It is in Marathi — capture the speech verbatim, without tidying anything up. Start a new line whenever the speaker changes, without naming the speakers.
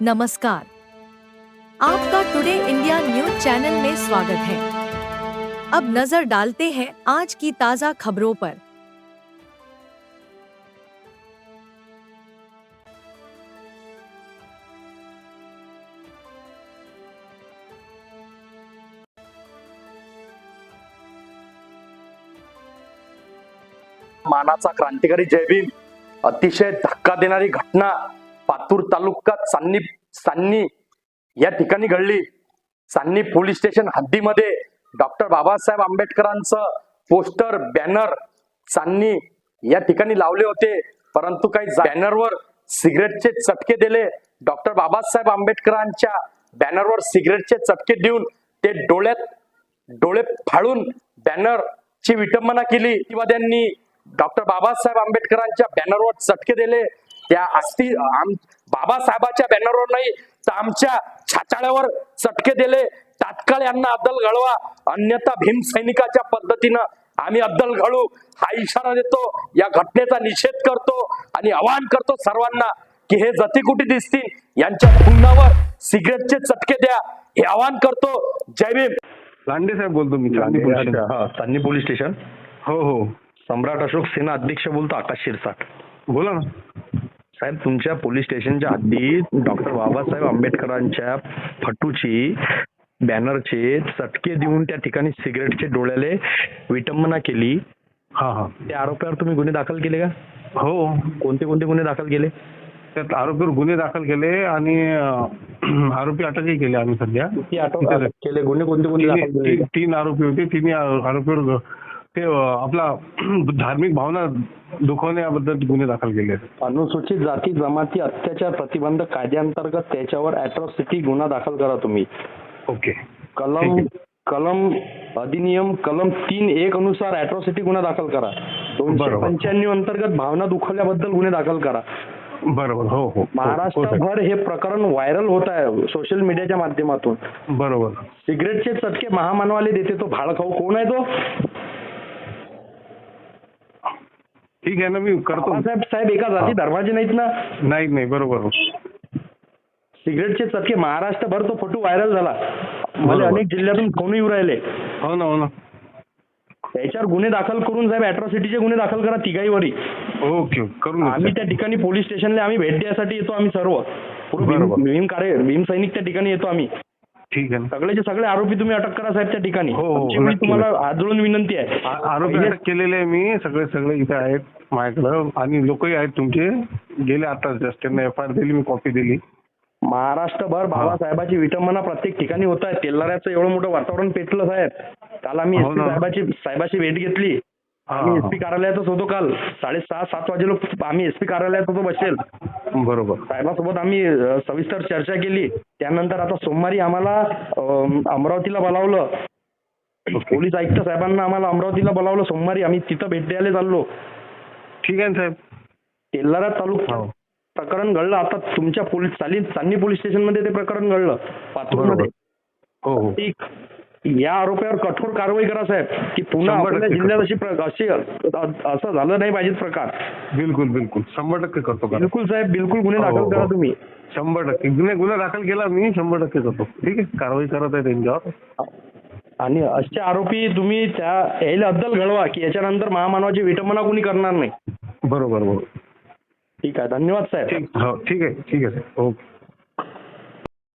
नमस्कार, आपका टुडे इंडिया न्यूज चैनल में स्वागत है। अब नजर डालते हैं आज की ताजा खबरों पर।
मानाचा क्रांतिकारी जय भीम अतिशय धक्का देणारी घटना पातूर तालुक्यात सान्नी सान्नी या ठिकाणी घडली। सान्नी पोलीस स्टेशन हद्दीमध्ये डॉक्टर बाबासाहेब आंबेडकरांचं पोस्टर बॅनर सान्नी या ठिकाणी लावले होते, परंतु काही बॅनरवर सिगरेटचे चटके दिले। डॉक्टर बाबासाहेब आंबेडकरांच्या बॅनरवर सिगरेटचे चटके देऊन ते डोळ्यात डोळे फाडून बॅनरची विटंबना केली। प्रतिवाद्यांनी डॉक्टर बाबासाहेब आंबेडकरांच्या बॅनरवर चटके दिले। त्या असती बाबासाहेबाच्या बॅनरवर नाही तर आमच्या छाताळ्यावर चटके दिले। तात्काळ यांना अद्दल घडवा, अन्यथा भीम सैनिकाच्या पद्धतीनं आम्ही अद्दल घडू हा इशारा देतो। या घटनेचा निषेध करतो आणि आवाहन करतो सर्वांना की हे जतीकुटी दिसतील यांच्या तोंडावर सिगरेटचे चटके द्या, हे आवाहन करतो। जय भीम।
लांडे साहेब बोलतो मी चांदी पोलीस स्टेशन।
हा, चांदी पोलीस स्टेशन।
हो हो,
सम्राट अशोक सेना अध्यक्ष बोलतो, आकाश शिरसाट।
बोला ना
साहेब, तुमच्या पोलीस स्टेशनच्या हद्दीत डॉक्टर बाबासाहेब आंबेडकरांच्या फटूची बॅनरचे चटके देऊन त्या ठिकाणी सिगरेटचे डोळ्याले विटंबना केली।
हा हा,
त्या आरोपावर तुम्ही गुन्हे दाखल केले का?
हो,
कोणते कोणते गुन्हे दाखल केले?
त्यात आरोपीवर गुन्हे दाखल केले आणि अं, आरोपी अटकही केले आम्ही सध्या।
किती अटक केले? गुन्हे कोणते कोणते दाखल
तीन
केले?
तीन- तीन आरोपी होते, तिन्ही आरो- आरोपीवर ते अं, आपला धार्मिक भावना दुखवण्याबद्दल गुन्हे दाखल केले।
अनुसूचित जाती जमाती अत्याचार प्रतिबंधक कायद्याअंतर्गत त्याच्यावर अॅट्रॉसिटी गुन्हा दाखल करा तुम्ही।
ओके,
कलम
ठीक
कलम अधिनियम कलम तीन एक अनुसार अॅट्रॉसिटी गुन्हा दाखल करा। दोनशे
बरोबर.
पंच्याण्णव अंतर्गत भावना दुखवल्याबद्दल गुन्हे दाखल करा।
बरोबर। हो हो हो, हो साहेब.
महाराष्ट्रभर हे प्रकरण व्हायरल होत आहे सोशल मीडियाच्या माध्यमातून।
बरोबर।
सिगरेटचे चटके महामानवाले देते तो भाड खाऊ कोण आहे तो?
ठीक आहे ना, मी करतो।
साहेब साहेब एका जाती धर्माचे नाहीत ना?
नाही नाही, बरोबर।
सिगरेटचे चटके महाराष्ट्रभर तो फोटो व्हायरल झाला। मला
बरोबर.
अनेक जिल्ह्यातून फोन येऊ राहिले।
हो ना हो ना,
त्याच्यावर गुन्हे दाखल करून साहेब अॅट्रॉसिटीचे गुन्हे दाखल करा तिघाईवरी।
ओके, करून
आम्ही
घेतो।
त्या ठिकाणी पोलीस स्टेशनला आम्ही भेट द्यायसाठी येतो। आम्ही सर्व पूर्ण भीम
बरोबर.
भीम कार्य भीम सैनिक त्या ठिकाणी येतो आम्ही।
ठीक आहे ना।
सगळेचे सगळे आरोपी तुम्ही अटक करा साहेब त्या ठिकाणी।
हो, हो,
आमची एवढी
नक्की,
तुम्हाला हात जोडून विनंती आहे।
आ- आरोपी अटक केलेले आहे मी, सगळे सगळे इथे आहेत माझ्याकडं आणि लोकही आहेत तुमचे। गेले आता जस्ट त्यांना एफ आय आर दिली, मी कॉपी दिली।
महाराष्ट्रभर बाबासाहेबाची विटंबना प्रत्येक ठिकाणी होत आहे। तेलाऱ्याचं एवढं मोठं वातावरण पेटलं साहेब। काल आम्ही
हो
एसपी
ना.
साहेबाची साहेबाची भेट घेतली।
हा,
आम्ही
हा.
एसपी कार्यालयातच होतो काल साडेसहा सात वाजे लोक आम्ही एसपी कार्यालयात होतो बसेल।
बरोबर।
साहेबासोबत आम्ही अ, सविस्तर चर्चा केली। त्यानंतर आता सोमवारी आम्हाला अ, अमरावतीला बोलावलं। पोलीस आयुक्त साहेबांना आम्हाला अमरावतीला बोलावलं सोमवारी। आम्ही तिथं भेट द्यायला चाललो।
ठीक आहे ना साहेब।
तेलारा तालुक्यात
हो.
प्रकरण घडलं। आता तुमच्या पोलीस चाली चांदी पोलीस स्टेशन मध्ये ते प्रकरण घडलं पातूरमध्ये।
हो हो,
ठीक, या आरोपावर कठोर कारवाई करा साहेब की पुन्हा
शंभर
आपल्या
टक्के
जिल्ह्यात अशी प्र- अशी अ- असं झालं नाही पाहिजे प्रकार।
बिलकुल बिलकुल, शंभर टक्के करतो का?
बिलकुल साहेब, बिलकुल गुन्हे
हो,
दाखल
हो.
करा तुम्ही।
शंभर टक्के गुन्हे गुन्हा दाखल केला मी, शंभर टक्के करतो। ठीक आहे, कारवाई करत आहे त्यांच्यावर।
आणि असे आरोपी तुम्ही त्या यायला अद्दल घडवा की याच्यानंतर महामानवाची विटंबना कोणी करणार नाही।
बरोबर बरोबर।
ठीक आहे, धन्यवाद साहेब।
ठीक, हो ठीक आहे ठीक आहे साहेब, ओके।